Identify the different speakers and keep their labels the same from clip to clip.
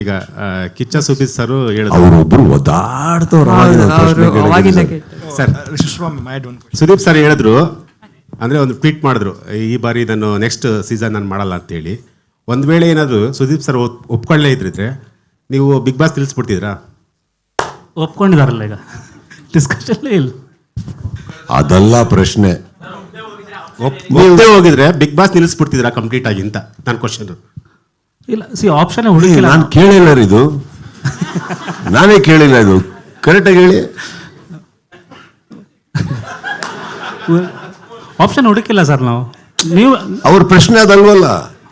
Speaker 1: ಈಗ ಕಿಚ್ಚ ಸುದೀಪ್ ಸರ್ ಹೇಳಿದ್ರು
Speaker 2: ಅವರೊಬ್ರು ಒದ್ದಾಡ್ತವ್ರು
Speaker 1: ಸರ್. ಸುದೀಪ್ ಸರ್ ಹೇಳಿದ್ರು ಅಂದರೆ ಒಂದು ಟ್ವೀಟ್ ಮಾಡಿದ್ರು, ಈ ಬಾರಿ ಇದನ್ನು ನೆಕ್ಸ್ಟ್ ಸೀಸನ್ ನಾನು ಮಾಡಲ್ಲ ಅಂತೇಳಿ. ಒಂದು ವೇಳೆ ಏನಾದರೂ ಸುದೀಪ್ ಸರ್ ಒಪ್ಕೊಳ್ಳೇ ಇದ್ರಿದ್ರೆ ನೀವು ಬಿಗ್ ಬಾಸ್ ತಿಳಿಸ್ಬಿಡ್ತಿದ್ರಾ?
Speaker 3: ಒಪ್ಕೊಂಡಿದಾರಲ್ಲ ಈಗ, ಡಿಸ್ಕಷನ್ಲೇ ಇಲ್ಲ.
Speaker 2: ಅದಲ್ಲ ಪ್ರಶ್ನೆ.
Speaker 1: ಒಪ್ಪದೇ ಹೋಗಿದ್ರೆ ಬಿಗ್ ಬಾಸ್ ನಿಲ್ಲಿಸ್ಬಿಡ್ತಿದ್ರಾ ಕಂಪ್ಲೀಟ್ ಆಗಿ ಅಂತ ನನ್ನ ಕ್ವಶನ್.
Speaker 3: ಇಲ್ಲ, ಆಪ್ಷನ್ ಹುಡುಕಿಲ್ಲ.
Speaker 2: ನಾನು ಕೇಳಿಲ್ಲ ಇದು, ನಾನೇ ಕೇಳಿಲ್ಲ ಇದು. ಕರೆಕ್ಟಾಗಿ ಹೇಳಿ.
Speaker 3: ಆಪ್ಷನ್ ಹುಡುಕಿಲ್ಲ ಸರ್ ನಾವು. ನೀವು
Speaker 2: ಅವ್ರ ಪ್ರಶ್ನೆ ಅದಲ್ವಲ್ಲ.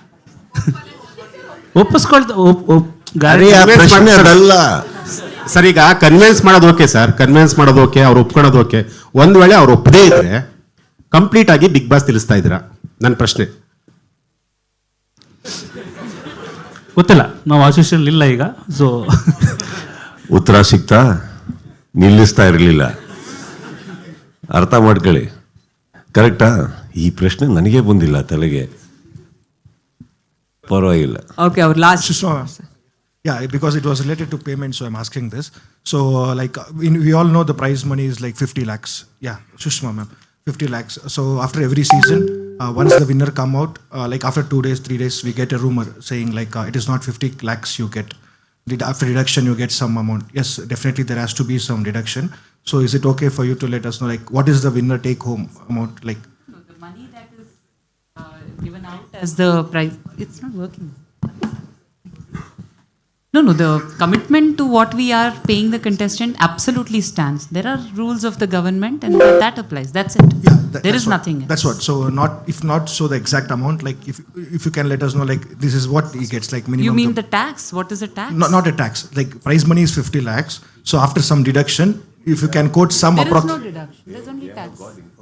Speaker 2: ಪ್ರಶ್ನೆ ಅದಲ್ಲ
Speaker 1: ಸರ್. ಈಗ ಕನ್ವಿನ್ಸ್ ಮಾಡೋದು ಓಕೆ ಸರ್, ಕನ್ವಿನ್ಸ್ ಮಾಡೋದು ಓಕೆ, ಅವ್ರು ಒಪ್ಕೊಳ್ಳೋದು ಓಕೆ. ಒಂದು ವೇಳೆ ಅವ್ರು ಒಪ್ಪದೇ ಇದ್ರೆ ಕಂಪ್ಲೀಟ್ ಆಗಿ ಬಿಗ್ ಬಾಸ್ ತಿಳಿಸ್ತಾ ಇದ್ದೀರಾ? ನನ್ನ ಪ್ರಶ್ನೆ
Speaker 3: ಗೊತ್ತಿಲ್ಲ, ನಾವು ಆಶೀಷನ್ ಇಲ್ಲ ಈಗ. ಸೊ
Speaker 2: ಉತ್ತರ ಸಿಗ್ತಾ ನಿಲ್ಲಿಸ್ತಾ ಇರಲಿಲ್ಲ. ಅರ್ಥ ಮಾಡ್ಕೊಳ್ಳಿ. ಕರೆಕ್ಟಾ? ಈ ಪ್ರಶ್ನೆ ನನಗೆ ಬಂದಿಲ್ಲ ತಲೆಗೆ. ಪರವಾಗಿಲ್ಲ.
Speaker 4: Okay, our last.
Speaker 5: Yeah, because it was related to payment, so I'm asking this. So, we all know the prize money is like 50 lakhs. Yeah, Sushma ma'am, 50 lakhs. So, after every season, once the winner come out, after 2 days, 3 days, we get a rumor saying it is not 50 lakhs you get. After deduction, you get some amount. Yes, definitely there has to be some deduction. So, is it okay for you to let us know, what is the winner take home amount?
Speaker 4: No, the money that is given out as the prize, it's not working. No, the commitment to what we are paying the contestant absolutely stands. There are rules of the government and that applies. That's it.
Speaker 5: Yeah,
Speaker 4: there is nothing else.
Speaker 5: That's what. So if not so the exact amount, if you can let us know, this is what he gets, minimum.
Speaker 4: You mean the tax? What is a tax?
Speaker 5: No, not a tax. Prize money is 50 lakhs. So after some deduction, if you can quote some
Speaker 4: there is no deduction. There's only tax.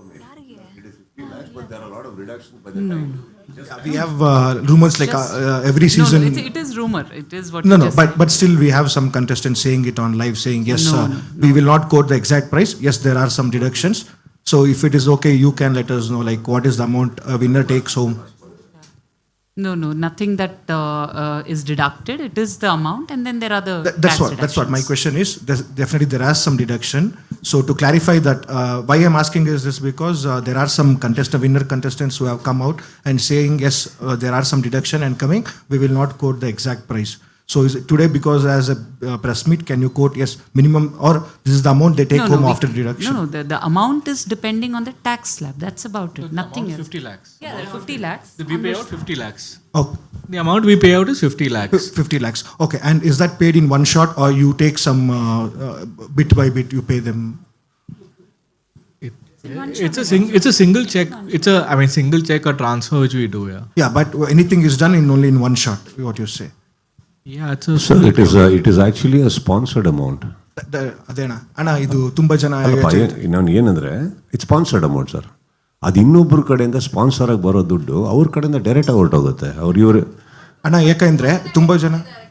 Speaker 4: No.
Speaker 5: We have rumors every season.
Speaker 4: No, it is rumor. It is what.
Speaker 5: No, but still we have some contestants saying it on live, saying yes, we will not quote the exact price. Yes, there are some deductions. So if it is okay, you can let us know what is the amount a winner takes home.
Speaker 4: No, nothing that is deducted. It is the amount, and then there are the
Speaker 5: That's what my question is. Definitely there are some deduction. So to clarify that, why I'm asking is this because there are some winner contestants who have come out and saying yes, there are some deduction and coming. We will not quote the exact price. So is it today because as a press meet, can you quote yes minimum or this is the amount they take home after deduction?
Speaker 4: No, the amount is depending on the tax slab. That's about it. Nothing else.
Speaker 6: 50 lakhs.
Speaker 4: Yeah, there are 50 lakhs.
Speaker 6: We pay out 50 lakhs.
Speaker 5: Oh,
Speaker 6: The amount we pay out is 50 lakhs.
Speaker 5: 50 lakhs. Okay, and is that paid in one shot or you take some bit by bit you pay them?
Speaker 6: It's a single check. Single check or transfer which we do.
Speaker 5: Yeah, but anything is done only in one shot. What you say?
Speaker 6: Yeah, it's
Speaker 2: Sir, it is actually a sponsored amount.
Speaker 5: ಅದೇನಾ ಅಣ್ಣ, ಇದು ತುಂಬಾ ಜನ
Speaker 2: ನಾನು ಏನಂದ್ರೆ it's sponsored amount sir. ಅದು ಇನ್ನೊಬ್ಬರ ಕಡೆಯಿಂದ sponsor ಆಗಿ ಬರೋ ದುಡ್ಡು ಅವ್ರ ಕಡೆಯಿಂದ ಡೈರೆಕ್ಟ್ ಆಗಿ ಹೊರಟೋಗುತ್ತೆ. ಇವರು
Speaker 5: ಅಣ್ಣ ಯಾಕಂದ್ರೆ ತುಂಬಾ ಜನ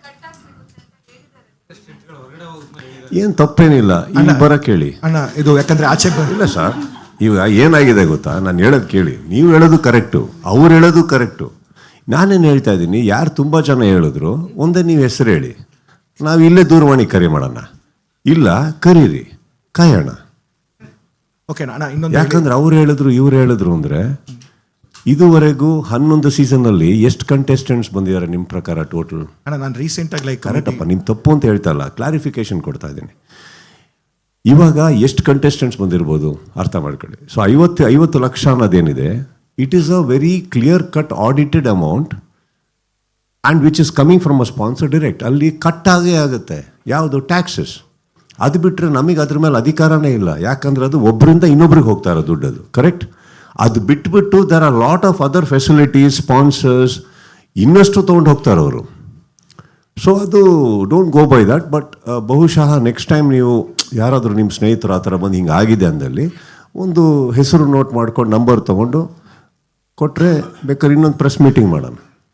Speaker 2: ಏನು ತಪ್ಪೇನಿಲ್ಲ. ಇಲ್ಲಿ ಬರಕ್ಕೆ ಹೇಳಿ
Speaker 5: ಅಣ್ಣ, ಇದು ಯಾಕಂದ್ರೆ ಆಚೆ
Speaker 2: ಇಲ್ಲ ಸರ್. ಇವಾಗ ಏನಾಗಿದೆ ಗೊತ್ತಾ, ನಾನು ಹೇಳೋದು ಕೇಳಿ. ನೀವು ಹೇಳೋದು ಕರೆಕ್ಟು, ಅವ್ರು ಹೇಳೋದು ಕರೆಕ್ಟು. ನಾನೇನು ಹೇಳ್ತಾ ಇದ್ದೀನಿ, ಯಾರು ತುಂಬ ಜನ ಹೇಳಿದ್ರು ಒಂದೇ ನೀವು ಹೆಸರು ಹೇಳಿ, ನಾವು ಇಲ್ಲೇ ದೂರವಾಣಿ ಕರೆ ಮಾಡೋಣ. ಇಲ್ಲ ಕರೀರಿ, ಕಾಯೋಣ. ಯಾಕಂದ್ರೆ ಅವ್ರು ಹೇಳಿದ್ರು ಇವ್ರು ಹೇಳಿದ್ರು ಅಂದರೆ ಇದುವರೆಗೂ 11 ಸೀಸನ್ನಲ್ಲಿ ಎಷ್ಟು ಕಂಟೆಸ್ಟೆಂಟ್ಸ್ ಬಂದಿದ್ದಾರೆ ನಿಮ್ಮ ಪ್ರಕಾರ ಟೋಟಲ್?
Speaker 5: ನಾನು ರೀಸೆಂಟಾಗಿ
Speaker 2: ಕರೆಕ್ಟಪ್ಪ, ನಿಮ್ಮ ತಪ್ಪು ಅಂತ ಹೇಳ್ತಾ ಇಲ್ಲ, ಕ್ಲಾರಿಫಿಕೇಶನ್ ಕೊಡ್ತಾ ಇದ್ದೀನಿ. ಇವಾಗ ಎಷ್ಟು ಕಂಟೆಸ್ಟೆಂಟ್ಸ್ ಬಂದಿರ್ಬೋದು ಅರ್ಥ ಮಾಡ್ಕೊಳ್ಳಿ. ಸೊ 50 ಲಕ್ಷ ಅನ್ನೋದೇನಿದೆ, it is a very clear cut audited amount and which is coming from a sponsor direct. ಅಲ್ಲಿ ಕಟ್ ಆಗೇ ಆಗುತ್ತೆ. ಯಾವುದು? ಟ್ಯಾಕ್ಸಸ್. ಅದು ಬಿಟ್ಟರೆ ನಮಗೆ ಅದ್ರ ಮೇಲೆ ಅಧಿಕಾರನೇ ಇಲ್ಲ. ಯಾಕಂದ್ರೆ ಅದು ಒಬ್ಬರಿಂದ ಇನ್ನೊಬ್ರಿಗೆ ಹೋಗ್ತಾ ಇರೋ ದುಡ್ಡು ಅದು. ಕರೆಕ್ಟ್? ಅದು ಬಿಟ್ಬಿಟ್ಟು there are lot of other facilities, sponsors ಇನ್ನಷ್ಟು ತೊಗೊಂಡು ಹೋಗ್ತಾರೆ ಅವರು. ಸೊ ಅದು don't go by that. But ಬಹುಶಃ ನೆಕ್ಸ್ಟ್ ಟೈಮ್ ನೀವು ಯಾರಾದರೂ ನಿಮ್ಮ ಸ್ನೇಹಿತರು ಆ ಥರ ಬಂದು ಹಿಂಗೆ ಆಗಿದೆ ಅಂದಲ್ಲಿ ಒಂದು ಹೆಸರು ನೋಟ್ ಮಾಡ್ಕೊಂಡು ನಂಬರ್ ತೊಗೊಂಡು ಕೊಟ್ಟರೆ ಬೇಕಾದ್ರೆ ಇನ್ನೊಂದು ಪ್ರೆಸ್ ಮೀಟಿಂಗ್ ಮಾಡೋಣ.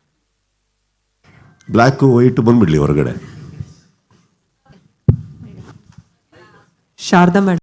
Speaker 2: ಬ್ಲ್ಯಾಕು ವೈಟು ಬಂದ್ಬಿಡ್ಲಿ ಹೊರಗಡೆ.
Speaker 4: ಶಾರದಾ ಮೇಡಮ್.